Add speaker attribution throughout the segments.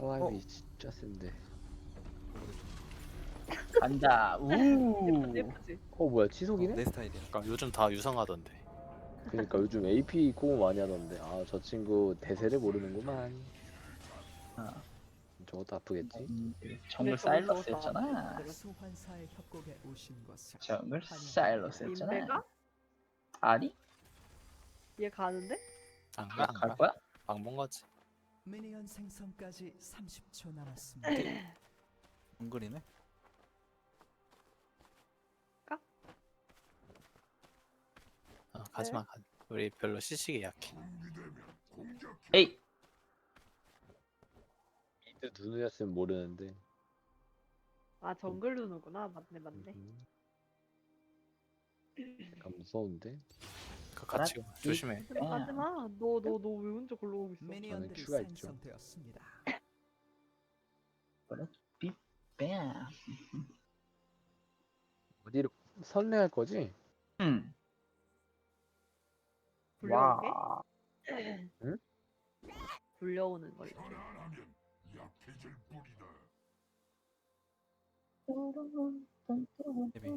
Speaker 1: 카와이 진짜 센데.
Speaker 2: 간다. 우.
Speaker 3: 예쁘지?
Speaker 1: 뭐야 치속이네?
Speaker 4: 내 스타일이야.
Speaker 5: 그러니까 요즘 다 유성하던데.
Speaker 1: 그니까 요즘 AP 공부 많이 하던데. 아 저 친구 대세를 모르는구만.
Speaker 2: 아,
Speaker 1: 저것도 아프겠지?
Speaker 2: 정글
Speaker 3: 저거
Speaker 2: 사일러스였잖아.
Speaker 6: 소환사의 협곡에 오신 것을
Speaker 2: 정글 사일러스였잖아.
Speaker 3: 민배가?
Speaker 2: 아니?
Speaker 3: 얘 가는데?
Speaker 5: 안 가? 안
Speaker 2: 갈
Speaker 5: 가?
Speaker 2: 거야?
Speaker 5: 방본 거지.
Speaker 6: 미니언 생성까지 30초 남았습니다.
Speaker 4: 정글이네.
Speaker 5: 가지마. 우리 별로 시식이 약해.
Speaker 2: 에이.
Speaker 1: 이때 누누였으면 모르는데.
Speaker 3: 아 정글 누누구나. 맞네.
Speaker 1: 약간 무서운데?
Speaker 5: 그 같이 가. 조심해.
Speaker 3: 하지마. 너 왜 혼자 글로 오고 있어?
Speaker 6: 미니언들이
Speaker 1: 큐가 있죠.
Speaker 6: 생성되었습니다.
Speaker 2: 뱀.
Speaker 1: 어디로 선례할 거지?
Speaker 2: 음.
Speaker 3: 불려오게?
Speaker 2: 와.
Speaker 1: 응?
Speaker 3: 불려오는 걸로.
Speaker 4: 데뷔.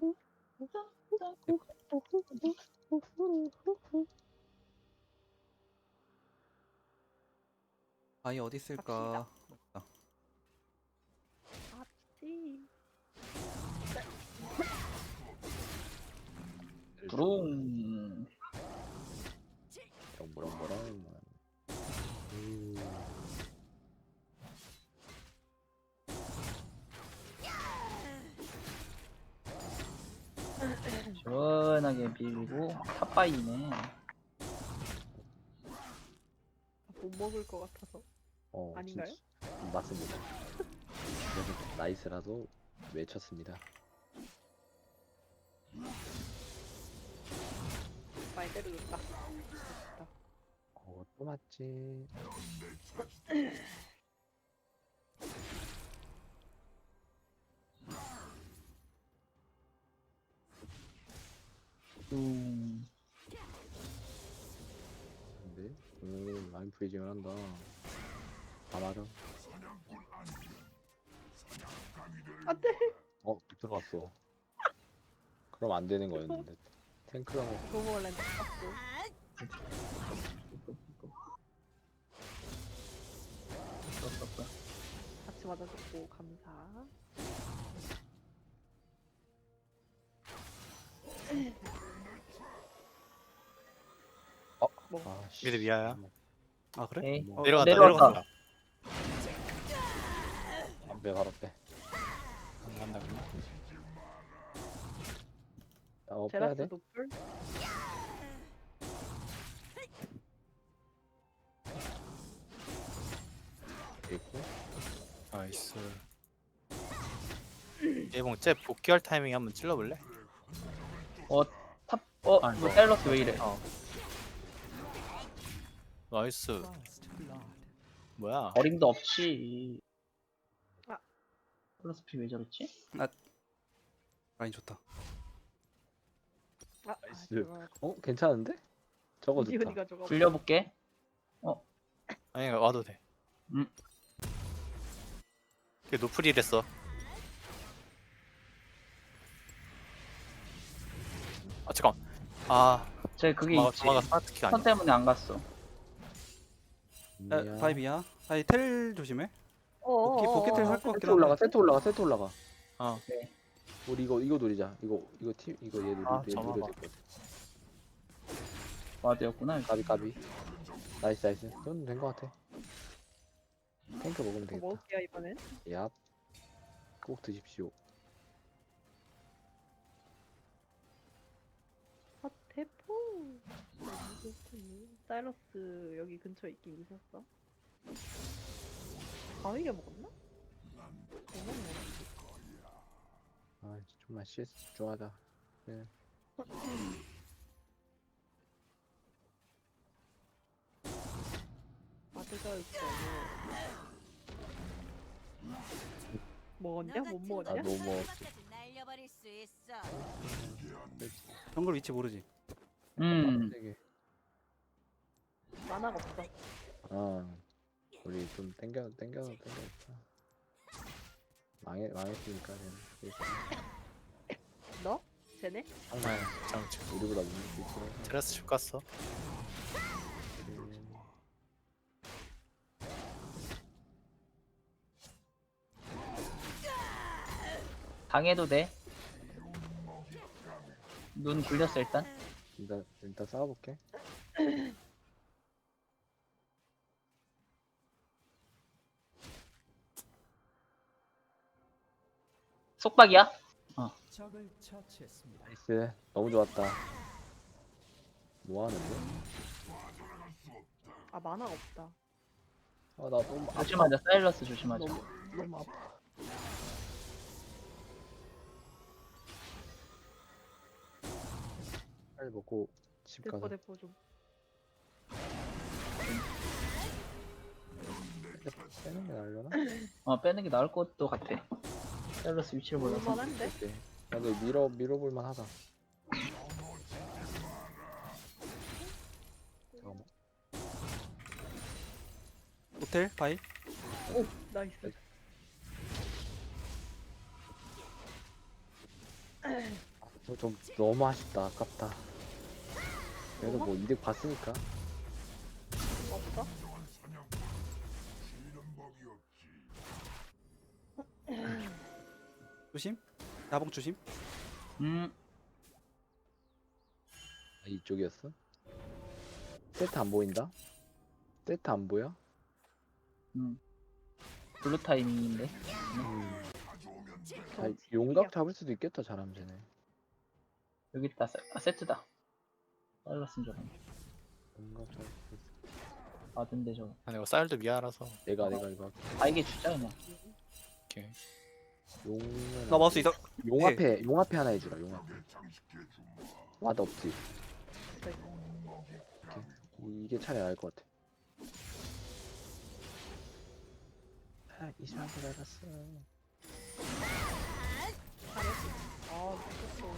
Speaker 4: 아이 어디 있을까?
Speaker 3: 맞지.
Speaker 2: 부릉.
Speaker 1: 뭐랑.
Speaker 2: 시원하게 밀고 탑바이네.
Speaker 3: 못 먹을 것 같아서. 아닌가요?
Speaker 1: 진짜, 맞습니다. 그래서 나이스라도 외쳤습니다.
Speaker 3: 말대로 좋다.
Speaker 1: 또 맞지. 근데 라인 프리징을 한다. 다 맞아.
Speaker 3: 안돼.
Speaker 1: 들어갔어. 그럼 안 되는 거였는데. 탱크랑
Speaker 3: 너무 원래 났어. 같이 맞아줬고 감사.
Speaker 5: 미드 미아야.
Speaker 4: 아 그래?
Speaker 2: 에이.
Speaker 5: 내려간다.
Speaker 1: 안배 바로 빼.
Speaker 5: 안 간다 그냥.
Speaker 1: 빼야
Speaker 3: 제라스
Speaker 1: 돼?
Speaker 3: 노플?
Speaker 1: 있고.
Speaker 5: 나이스. 예봉 쟤 복귀할 타이밍에 한번 찔러볼래?
Speaker 2: 탑.
Speaker 5: 아니,
Speaker 2: 뭐
Speaker 5: 뭐.
Speaker 2: 사일러스 왜 이래?
Speaker 5: 나이스.
Speaker 6: First blood.
Speaker 5: 뭐야?
Speaker 2: 어림도 없지.
Speaker 3: 아.
Speaker 2: 플러스 피 왜 저랬지?
Speaker 4: 라인 좋다.
Speaker 1: 나이스. 괜찮은데? 저거 좋다.
Speaker 3: 이지훈이가 저거.
Speaker 2: 굴려볼게.
Speaker 5: 아니 와도 돼. 걔 노플이랬어. 아 잠깐.
Speaker 2: 쟤 그게 있지.
Speaker 5: 도마가 스마트키가
Speaker 2: 선
Speaker 5: 아니야.
Speaker 2: 때문에 안 갔어.
Speaker 4: 야, 바이비야. 아이 텔 조심해. 복귀 텔 할 것
Speaker 1: 세트
Speaker 4: 같긴 한데.
Speaker 1: 세트 올라가.
Speaker 2: 네.
Speaker 1: 우리 이거 노리자. 이거 얘
Speaker 5: 아,
Speaker 1: 노려야
Speaker 5: 잠깐만.
Speaker 1: 될 것 같아.
Speaker 2: 와드였구나.
Speaker 1: 까비. 나이스. 이건 된 것 같아. 탱크 먹으면
Speaker 3: 더
Speaker 1: 되겠다.
Speaker 3: 먹을게요 이번엔.
Speaker 1: 얍. 꼭 드십시오.
Speaker 3: 대포. 사이러스 여기 근처에 있긴 있었어. 바위가 먹었나?
Speaker 1: 좀만 CS 집중하자. 네.
Speaker 3: 아드가 있어. 먹었냐? 못 먹었냐?
Speaker 1: 너무
Speaker 7: 날려버릴 수 있어.
Speaker 4: 정글 위치 모르지.
Speaker 1: 되게.
Speaker 3: 만화가 없어.
Speaker 1: 우리 좀 땡겨있다. 망했으니까 그냥.
Speaker 3: 너? 쟤네?
Speaker 1: 항상
Speaker 5: 장치.
Speaker 1: 우리보다 못수 있어.
Speaker 5: 테라스 집 갔어.
Speaker 2: 당해도 돼. 눈 굴렸어 일단.
Speaker 1: 일단 싸워볼게.
Speaker 2: 속박이야?
Speaker 6: 적을 처치했습니다.
Speaker 1: 나이스. 너무 좋았다. 뭐 하는데?
Speaker 3: 아 만화가 없다.
Speaker 1: 아, 나 너무 아파.
Speaker 2: 조심하자. 사일러스 조심하자.
Speaker 1: 너무 아파. 빨리 먹고 집 가자.
Speaker 3: 대포 좀.
Speaker 1: 빼는 게 나으려나?
Speaker 2: 빼는 게 나을 것도 같아. 사일러스 위치를 몰라서.
Speaker 3: 볼만한데?
Speaker 1: 오케이. 근데 밀어볼만 하다. 잠깐만.
Speaker 4: 호텔 바이.
Speaker 3: 오 나이스.
Speaker 1: 좀 너무 아쉽다. 아깝다. 그래도 뭐 이득 봤으니까.
Speaker 3: 없어?
Speaker 4: 조심. 나봉 조심.
Speaker 1: 아, 이쪽이었어? 세트 안 보인다? 세트 안 보여?
Speaker 2: 블루 타이밍인데.
Speaker 1: 자, 용각 잡을 수도 있겠다. 잘하면 쟤네.
Speaker 2: 여기 있다. 세트다. 사일러스인 줄 알았네.
Speaker 1: 용각 잡을 수도 있어.
Speaker 2: 맞은데 저거.
Speaker 5: 아니 이거 쌀도 미안해서.
Speaker 1: 내가 이거 할게.
Speaker 2: 이게 주자 그냥.
Speaker 5: 오케이.
Speaker 1: 용은
Speaker 4: 나 마우스 있어.
Speaker 1: 용 앞에 하나 해주라. 용 앞에. 와드 없지. 이게 차라리 나을 것 같아. 아, 이 사람도 나갔어.
Speaker 3: 아 미쳤어.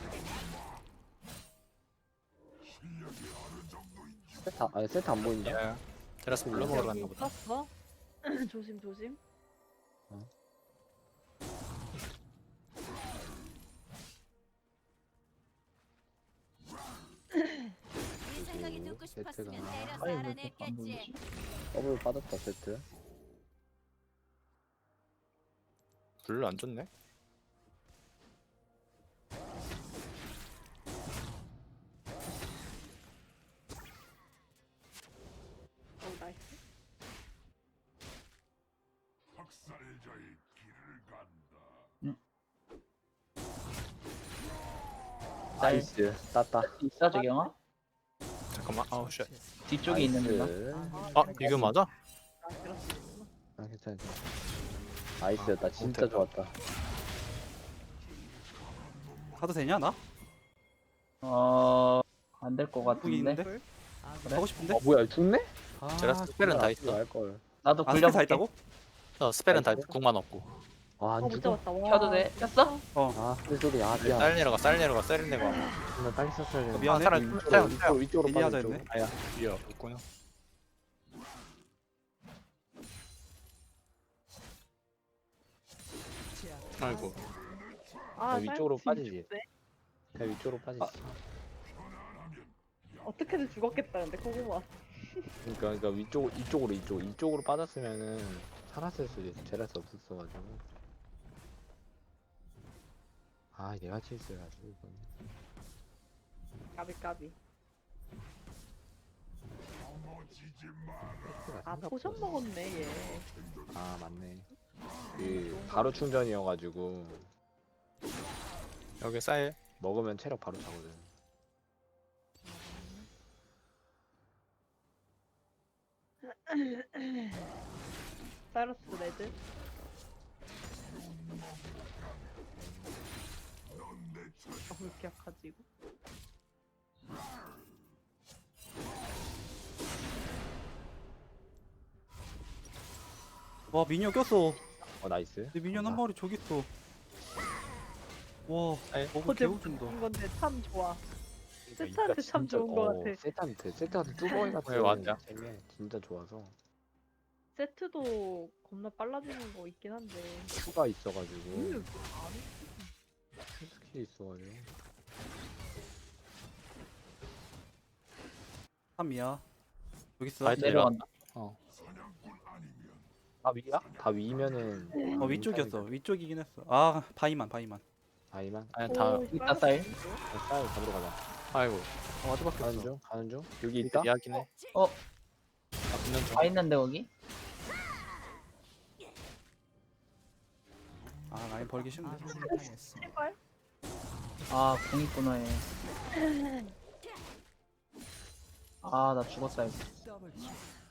Speaker 1: 세트 안 보인다.
Speaker 5: 야. 테라스 물러 먹으러 갔나 보다.
Speaker 3: 떴어? 조심 조심.
Speaker 7: 네 생각이 듣고 싶었으면
Speaker 1: 세트가
Speaker 7: 때려서
Speaker 2: 아니 왜 이렇게 안
Speaker 7: 알아냈겠지.
Speaker 2: 보이지?
Speaker 1: 더블 빠졌다 세트.
Speaker 5: 별로 안 좋네.
Speaker 3: 오 나이스.
Speaker 1: 나이스. 땄다.
Speaker 2: 있어 저경아?
Speaker 5: 잠깐만. 아우 쉣.
Speaker 2: 뒤쪽에 있는 데가.
Speaker 5: 아 이거 맞아?
Speaker 3: 아 들었어.
Speaker 1: 아 괜찮아. 나이스였다. 진짜
Speaker 5: 못했다.
Speaker 1: 좋았다.
Speaker 4: 가도 되냐 나?
Speaker 2: 안 될 것
Speaker 4: 거기
Speaker 2: 같은데.
Speaker 4: 있는데?
Speaker 6: 아군이
Speaker 4: 가고 싶은데?
Speaker 1: 뭐야 죽네?
Speaker 4: 아,
Speaker 5: 테라스 스펠은 다 있어.
Speaker 1: 알걸.
Speaker 2: 나도
Speaker 4: 아 스펠 다
Speaker 2: 굴려볼게.
Speaker 4: 있다고?
Speaker 5: 스펠은 다
Speaker 1: 그래?
Speaker 5: 국만 없고.
Speaker 1: 아안
Speaker 3: 못
Speaker 1: 죽어?
Speaker 3: 잡았다. 와.
Speaker 2: 켜도 돼? 켰어?
Speaker 1: 아 소리. 아 미안.
Speaker 5: 쌀 내려가 쌀 내려가 쌀 내려가.
Speaker 1: 나 빨리 썼어야 돼.
Speaker 4: 미안해.
Speaker 5: 사람
Speaker 1: 위쪽으로
Speaker 4: 얘기하자
Speaker 1: 빠져.
Speaker 4: 했네.
Speaker 1: 아야.
Speaker 5: 위에 있구나. 아이고.
Speaker 3: 아
Speaker 1: 위쪽으로
Speaker 3: 사이트
Speaker 1: 빠지지.
Speaker 3: 죽네.
Speaker 1: 그냥 위쪽으로 빠지지.
Speaker 3: 어떻게든 죽었겠다는데 고구마.
Speaker 1: 그러니까 이쪽으로 빠졌으면은 살았을 수도 있어. 제라스 없었어가지고. 아 얘가 실수해가지고 이건.
Speaker 3: 까비. 아 포션 먹었네 얘.
Speaker 1: 아 맞네. 그 바로 충전이어가지고
Speaker 5: 여기 쌀.
Speaker 1: 먹으면 체력 바로 차거든.
Speaker 3: 사이러스 레드. 왜 이렇게 약하지 이거?
Speaker 4: 와 미니어 꼈어.
Speaker 1: 나이스.
Speaker 4: 내 미니언 한 마리 저기 있어. 와
Speaker 5: 아이,
Speaker 4: 먹을
Speaker 3: 어제
Speaker 4: 개웃긴다.
Speaker 3: 먹은 건데 참 좋아.
Speaker 1: 그러니까
Speaker 3: 세트한테 참
Speaker 1: 진짜-
Speaker 3: 좋은 거 같아.
Speaker 1: 세트한테 뚜벅이 같은
Speaker 5: 왜 왔냐?
Speaker 1: 잼이 진짜 좋아서.
Speaker 3: 세트도 겁나 빨라지는 거 있긴 한데.
Speaker 1: 수가 있어가지고
Speaker 3: 음.
Speaker 1: 스킬이 있어가지고
Speaker 4: 3이야. 여기 있어.
Speaker 5: 나이스.
Speaker 2: 내려간다.
Speaker 1: 다 위야? 다 위면은
Speaker 4: 위쪽이었어. 위쪽이긴 했어. 아 바이만.
Speaker 1: 아이만
Speaker 5: 아니 다
Speaker 2: 있다 사일.
Speaker 1: 쌀 잡으러 가자.
Speaker 5: 아이고
Speaker 4: 와드 밖에
Speaker 1: 가는
Speaker 4: 없어.
Speaker 1: 중 여기 있다?
Speaker 5: 이야기네.
Speaker 2: 어,
Speaker 5: 아 붙는 중.
Speaker 2: 다 있는데 거기?
Speaker 4: 아 라인 벌기 쉽네.
Speaker 6: 당했습니다.
Speaker 3: 제발.
Speaker 2: 아, 공 있구나 얘. 아, 나 죽었다 이거.
Speaker 6: 더블킬.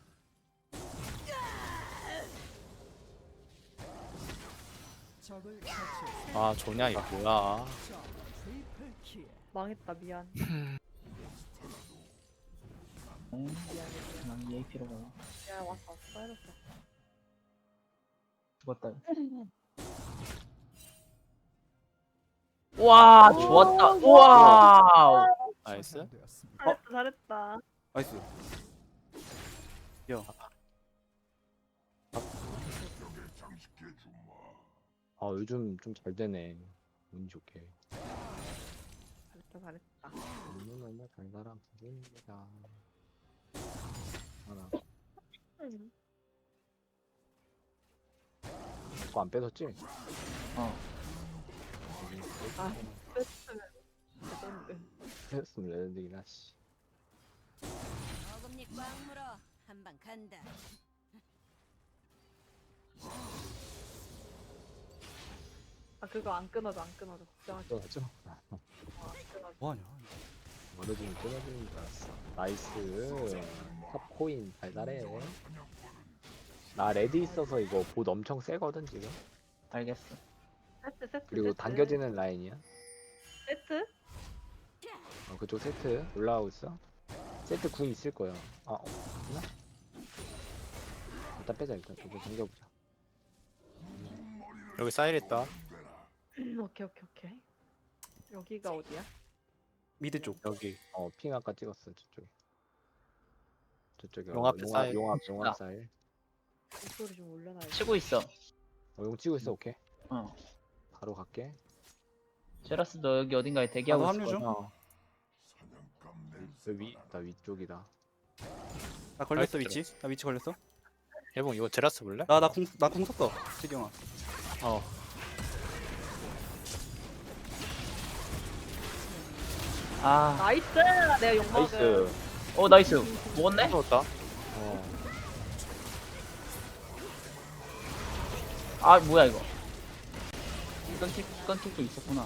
Speaker 6: 적을 처치했습니다.
Speaker 5: 아 조냐 이거 뭐야.
Speaker 6: 적 트리플킬.
Speaker 3: 망했다 미안.
Speaker 2: 난 EAP로 가.
Speaker 3: 야 왔어 사이러스.
Speaker 2: 죽었다 이거. 와, 좋았다. 와우.
Speaker 5: 나이스.
Speaker 6: 처단되었습니다.
Speaker 3: 잘했다.
Speaker 4: 나이스.
Speaker 1: 아 요즘 좀 잘 되네. 운이 좋게.
Speaker 3: 잘했다.
Speaker 1: 운은 너무 잘 살아 부릅니다. 하나. 그거 안 뺏었지?
Speaker 2: 어.
Speaker 3: 아 뺐으면 레전드.
Speaker 1: 뺏었으면 레전드긴 하지.
Speaker 7: 어금니 꽉 물어. 한 방 간다.
Speaker 3: 아 그거 안 끊어져 걱정하지 마.
Speaker 1: 뺏었죠?
Speaker 3: 안 끊어져.
Speaker 4: 뭐하냐?
Speaker 1: 멀어지면 끊어지는 줄 알았어. 나이스. 탑코인 달달해. 나 레드 있어서 이거 봇 엄청 세거든 지금.
Speaker 2: 알겠어.
Speaker 3: 세트.
Speaker 1: 그리고
Speaker 3: 세트.
Speaker 1: 당겨지는 라인이야.
Speaker 3: 세트?
Speaker 1: 그쪽 세트 올라가고 있어. 세트 궁 있을 거야. 아 없나? 일단 빼자 일단 좀 당겨보자.
Speaker 5: 여기 사일 있다.
Speaker 3: 오케이. 여기가 어디야?
Speaker 4: 미드 쪽.
Speaker 5: 여기
Speaker 1: 핑 아까 찍었어 저쪽에. 저쪽에
Speaker 5: 용 앞에 쌀.
Speaker 1: 용합 쌀.
Speaker 3: 목소리 좀 올려놔야 돼.
Speaker 2: 치고 있어.
Speaker 1: 용 치고 있어 오케이.
Speaker 2: 어.
Speaker 1: 바로 갈게.
Speaker 2: 제라스 너 여기 어딘가에 대기하고
Speaker 4: 나도
Speaker 2: 있을
Speaker 4: 합류
Speaker 2: 거야.
Speaker 4: 중.
Speaker 1: 나 위쪽이다.
Speaker 4: 나 걸렸어
Speaker 5: 나이스.
Speaker 4: 위치. 나 위치 걸렸어.
Speaker 5: 예봉 이거 제라스 볼래?
Speaker 4: 나궁 썼어. 지경아.
Speaker 5: 어
Speaker 2: 아,
Speaker 3: 나이스! 내가 욕
Speaker 1: 나이스.
Speaker 3: 먹은.
Speaker 2: 나이스. 먹었네?
Speaker 5: 먹었다.
Speaker 2: 아, 뭐야 이거? 끊길 게 있었구나.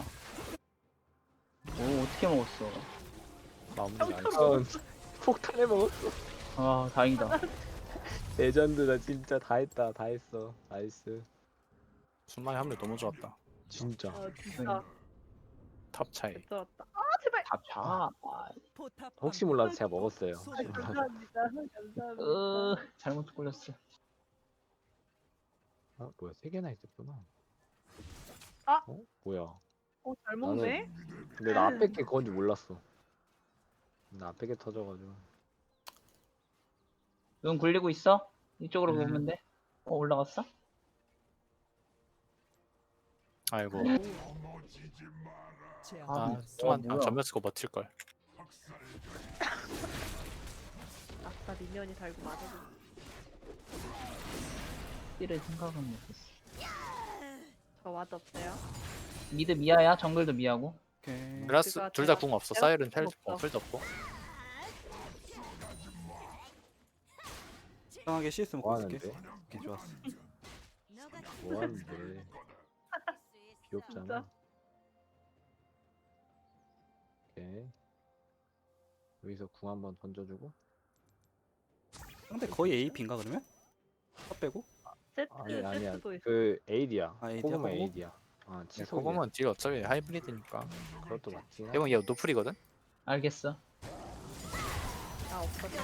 Speaker 2: 오, 어떻게 먹었어?
Speaker 5: 마무리 나이스.
Speaker 1: 폭탄에 먹었어.
Speaker 2: 아, 다행이다.
Speaker 1: 레전드다 진짜 다 했다 다 했어. 나이스.
Speaker 5: 순간의 합류 너무 좋았다.
Speaker 1: 진짜.
Speaker 3: 진짜
Speaker 5: 탑 차이.
Speaker 3: 개쩔었다. 아 제발!
Speaker 2: 다 차. 아,
Speaker 6: 포탑
Speaker 1: 혹시 몰라서 제가 먹었어요.
Speaker 3: 아, 감사합니다.
Speaker 2: 잘못 걸렸어.
Speaker 1: 아 뭐야 3개나 있었구나.
Speaker 3: 아!
Speaker 1: 뭐야.
Speaker 3: 잘 먹네?
Speaker 1: 근데 나 앞에 게 그건지 몰랐어. 나 앞에 게 터져가지고.
Speaker 2: 눈 굴리고 있어? 이쪽으로 보면 돼. 올라갔어?
Speaker 5: 아이고.
Speaker 6: 제압.
Speaker 5: 아 좀만
Speaker 2: 뭐야.
Speaker 5: 전면 쓰고 버틸 걸.
Speaker 3: 아싸 미니언이 달고 맞아도.
Speaker 2: 띠를 생각은 못했어.
Speaker 3: 저 와드 없어요?
Speaker 2: 미드 미아야? 정글도 미아고?
Speaker 4: 오케이.
Speaker 5: 제라스
Speaker 3: 제가-
Speaker 5: 둘 다 궁 없어.
Speaker 3: 제가
Speaker 5: 사일은
Speaker 3: 궁 없어.
Speaker 5: 펠 없고.
Speaker 4: 이상하게 CS 먹고
Speaker 1: 뭐
Speaker 4: 있을게.
Speaker 1: 하는데?
Speaker 4: 오케이 좋았어.
Speaker 7: 너가
Speaker 1: 뭐 하는데. 귀엽잖아.
Speaker 3: 진짜?
Speaker 1: 오케이. 여기서 궁 한번 던져주고.
Speaker 4: 상대 거의 AP인가 그러면? 탑 빼고?
Speaker 3: 세트
Speaker 1: 아니야.
Speaker 3: 세트도 있어.
Speaker 1: 그 에이디야.
Speaker 4: 아, 에이디야?
Speaker 1: 코그마
Speaker 4: 코그마?
Speaker 1: 에이디야. 아 치소.
Speaker 5: 코고은 딜 어차피 하이브리드니까.
Speaker 1: 그것도 맞지.
Speaker 5: 예봉 얘 노플이거든.
Speaker 2: 알겠어.
Speaker 3: 아 없어져.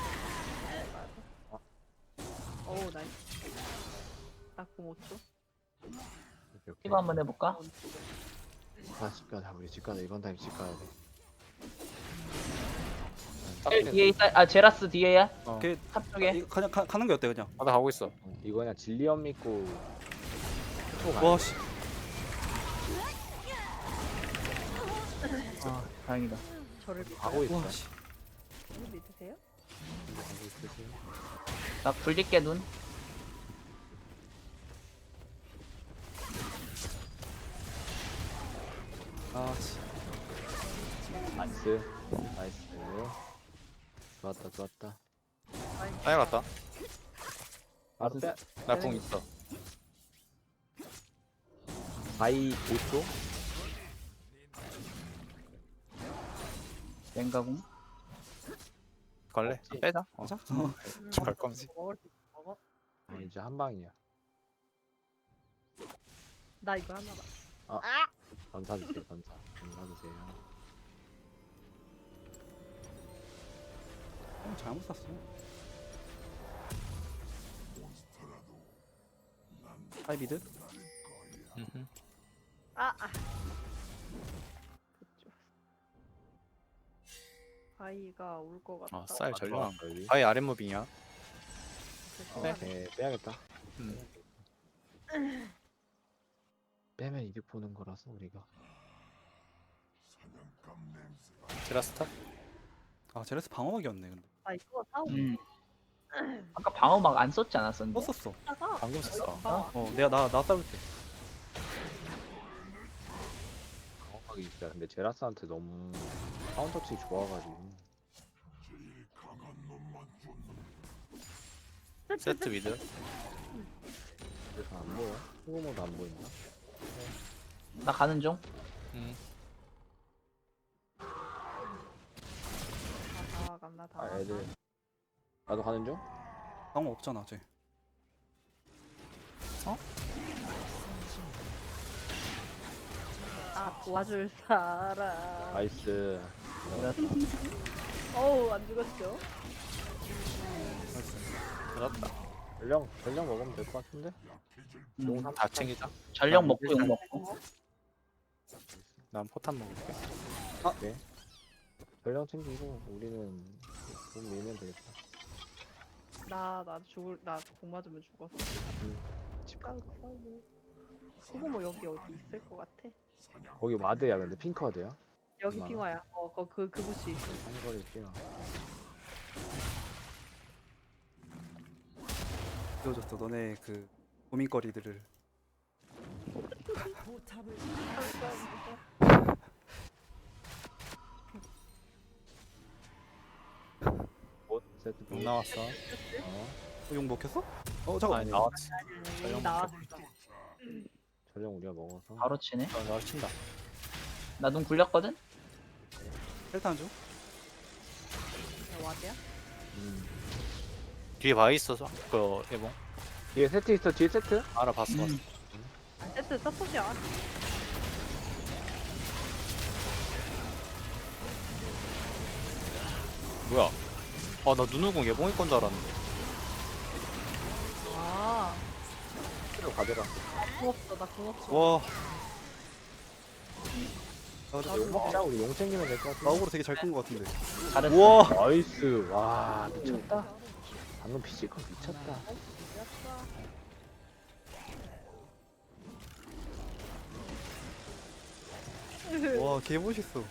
Speaker 3: 오 나이스. 나공 5초.
Speaker 2: 이거 한번 해볼까?
Speaker 1: 집 가자 우리 집 가자 이번 타임 집 가야 돼.
Speaker 2: 뒤에 있다. 아 제라스 뒤에야.
Speaker 4: 오케이.
Speaker 2: 탑 쪽에.
Speaker 4: 이거 그냥 가는 게 어때 그냥?
Speaker 5: 나 가고 있어.
Speaker 1: 이거 그냥 진리언 믿고
Speaker 4: 와 씨.
Speaker 2: 아 다행이다.
Speaker 3: 저를 믿-
Speaker 1: 가고 있어.
Speaker 4: 와 씨.
Speaker 3: 저를 믿으세요?
Speaker 1: 가고 있으세요?
Speaker 2: 나 굴릴게 눈.
Speaker 4: 아 씨.
Speaker 1: 나이스. 나이스. 좋았다 좋았다.
Speaker 5: 아예 갔다.
Speaker 1: 바로 빼.
Speaker 5: 나 궁 있어.
Speaker 1: 바이 5초?
Speaker 2: 랭가공.
Speaker 5: 갈래? 빼자. 어.
Speaker 4: 맞아?
Speaker 5: 갈 거면서.
Speaker 3: 먹을 수 있어, 먹어.
Speaker 1: 이제 한 방이야.
Speaker 3: 나 이거 하나 봐.
Speaker 1: 전사 주세요 전사. 전사 주세요.
Speaker 4: 잘못 샀어. 하이비드?
Speaker 5: 음흠.
Speaker 3: 아. 그쪽. 바이가 올 것 같다.
Speaker 5: 아, 쌀 전령.
Speaker 1: 좋았어, 여기.
Speaker 5: 아예 아랫 무빙이야.
Speaker 1: 오케이 빼야겠다.
Speaker 5: 음.
Speaker 1: 빼면 이득 보는 거라서 우리가.
Speaker 5: 제라스탑?
Speaker 4: 아 제레스 방어막이었네 근데.
Speaker 3: 아 이거 사고
Speaker 2: 아까 방어막 안 썼지 않았었는데?
Speaker 4: 썼었어.
Speaker 3: 있다가
Speaker 5: 방금 썼어.
Speaker 4: 내가 나 싸울 때.
Speaker 1: 정확하게 진짜 근데 제라스한테 너무 카운터치 좋아가지고.
Speaker 5: 세트 미드.
Speaker 1: 그래서 안 보여. 후모도 안 보인다.
Speaker 2: 나 가는 중.
Speaker 5: 음.
Speaker 3: 다 간다 다.
Speaker 1: 아 애들. 나도 가는 중?
Speaker 4: 방어 없잖아 쟤.
Speaker 3: 아 도와줄 사람.
Speaker 1: 나이스.
Speaker 3: 어우 안 죽었죠?
Speaker 5: 들었다.
Speaker 1: 전령 먹으면 될 것 같은데?
Speaker 2: 음,
Speaker 5: 다 챙기자.
Speaker 2: 전력 먹고 용 먹고.
Speaker 5: 난 포탄 먹을게.
Speaker 1: 네. 전령 챙기고 우리는 돈 밀면 되겠다.
Speaker 3: 나 죽을 나공 맞으면 죽었어. 집 가서 싸우고. 그거 뭐 여기 어디 있을 것 같아?
Speaker 1: 거기 와드야 근데 핑크와드야?
Speaker 3: 여기
Speaker 1: 얼마나?
Speaker 3: 핑화야. 그 부시.
Speaker 1: 한거리 뛰어.
Speaker 4: 보여줬어 너네 그 고민거리들을.
Speaker 6: 포탑을
Speaker 1: 못 세트
Speaker 5: 못 나왔어.
Speaker 4: 용 먹혔어? 잠깐.
Speaker 5: 아니 나왔지.
Speaker 3: 여기 나왔어.
Speaker 1: 전령 우리가 먹어서.
Speaker 2: 바로 치네.
Speaker 5: 나 친다.
Speaker 2: 나 눈 굴렸거든?
Speaker 4: 헬탄 중.
Speaker 3: 와드야?
Speaker 5: 뒤에 바위 있어서 그 예봉
Speaker 1: 뒤에 세트 있어 뒤에 세트?
Speaker 5: 알아봤어.
Speaker 3: 세트 서폿이야.
Speaker 5: 뭐야? 나 눈우궁 예봉일 건 줄 알았는데.
Speaker 3: 아.
Speaker 1: 세트로 가져라.
Speaker 3: 궁 없어. 나궁 없어.
Speaker 4: 와.
Speaker 1: 용 먹자 우리 용 챙기면 될 것 같은데.
Speaker 4: 나옥으로 되게 잘 끈 것 같은데.
Speaker 2: 잘했어.
Speaker 4: 우와.
Speaker 1: 나이스. 와 미쳤다. 방금 피지컬 미쳤다.
Speaker 4: 와 개 멋있어.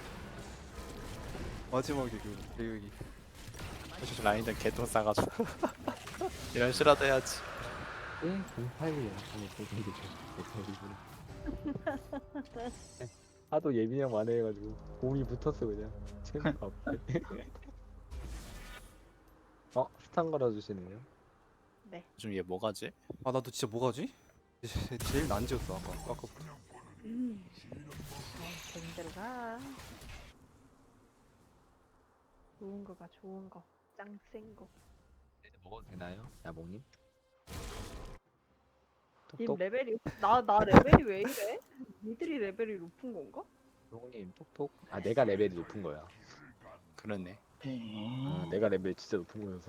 Speaker 4: 마지막에 그 대격이.
Speaker 5: 라인전 개똥 싸가지고 이런 실화도 해야지.
Speaker 1: 예? 08이야. 하도 예민형 만회해가지고 몸이 붙었어 그냥. 재미가 없대. 스탄 걸어주시네요.
Speaker 5: 요즘 얘 뭐가지?
Speaker 4: 아 나도 진짜 뭐가지? 제일 난지였어 아까부터.
Speaker 3: 재밌대로 가. 좋은 거가 좋은 거. 짱 센 거.
Speaker 1: 먹어도 되나요? 야봉님?
Speaker 3: 님
Speaker 1: 톡톡.
Speaker 3: 레벨이 나 레벨이 왜 이래? 니들이 레벨이 높은 건가?
Speaker 1: 야봉님 톡톡. 아 내가 레벨이 높은 거야.
Speaker 5: 그러네.
Speaker 1: 내가 레벨이 진짜 높은 거여서.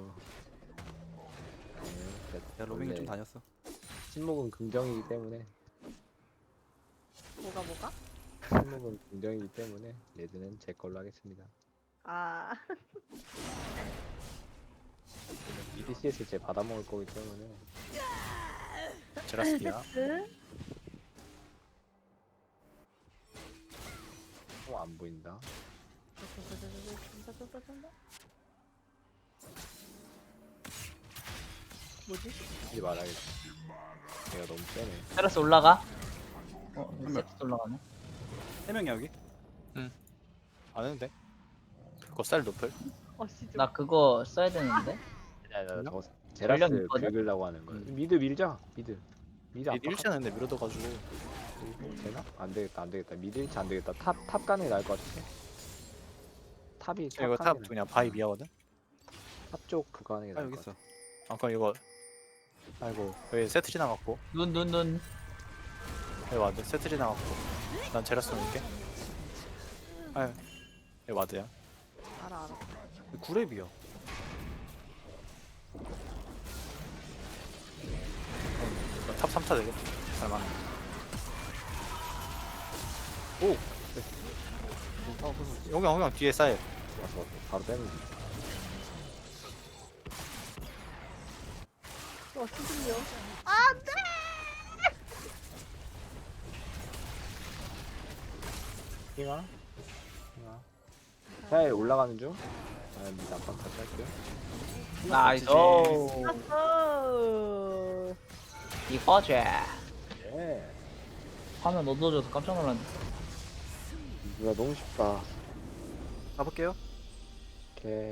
Speaker 4: 야 로밍이 좀 다녔어.
Speaker 1: 침묵은 긍정이기 때문에.
Speaker 3: 뭐가?
Speaker 1: 침묵은 긍정이기 때문에 레드는 제 걸로 하겠습니다.
Speaker 3: 아
Speaker 1: 미드 CS 제 받아먹을 거기 때문에
Speaker 5: 제라스피야.
Speaker 1: 안 보인다.
Speaker 3: 뭐지?
Speaker 1: 하지 말아야겠다. 얘가 너무 세네.
Speaker 2: 테라스 올라가. 세트 올라가네.
Speaker 4: 3명이야 여기?
Speaker 5: 안 했는데? 그거 쌀 노플?
Speaker 3: 진짜
Speaker 2: 나 그거 써야 되는데.
Speaker 1: 야,
Speaker 5: 전력?
Speaker 1: 저 제라스
Speaker 2: 전력 있거든?
Speaker 1: 긁으려고 하는 거야. 미드 밀자. 미드
Speaker 5: 얘 일치 않는데 밀어둬가지고.
Speaker 1: 되나? 안 되겠다, 안 되겠다. 미드 일치 안 되겠다. 탑 가는 게 나을 것 같아. 탑이
Speaker 5: 이거 탑 그냥 바위 미하거든?
Speaker 1: 탑쪽 그거 하는 게
Speaker 4: 아
Speaker 1: 나을
Speaker 4: 여기
Speaker 1: 것
Speaker 4: 있어.
Speaker 1: 같아.
Speaker 5: 아 그럼 이거 아이고 여기 세트 지나갔고
Speaker 2: 눈.
Speaker 5: 여기 와드 세트 지나갔고 난 제라스 놓을게. 아유 여기 와드야.
Speaker 3: 알아.
Speaker 4: 구랩이야.
Speaker 5: 이거 탑 3차 되겠다. 잘맞네. 오! 홍영 뒤에 쌓여.
Speaker 1: 와서 바로 빼면 돼.
Speaker 3: 수준이요.
Speaker 1: 핑아? 잘 올라가는 중? 아, 미드 앞방 다시 할게요.
Speaker 2: 나이스. 이거지.
Speaker 1: 예.
Speaker 2: 화면 얻어줘서 깜짝 놀랐네.
Speaker 1: 이거 너무 쉽다.
Speaker 4: 가볼게요.
Speaker 1: 오케이.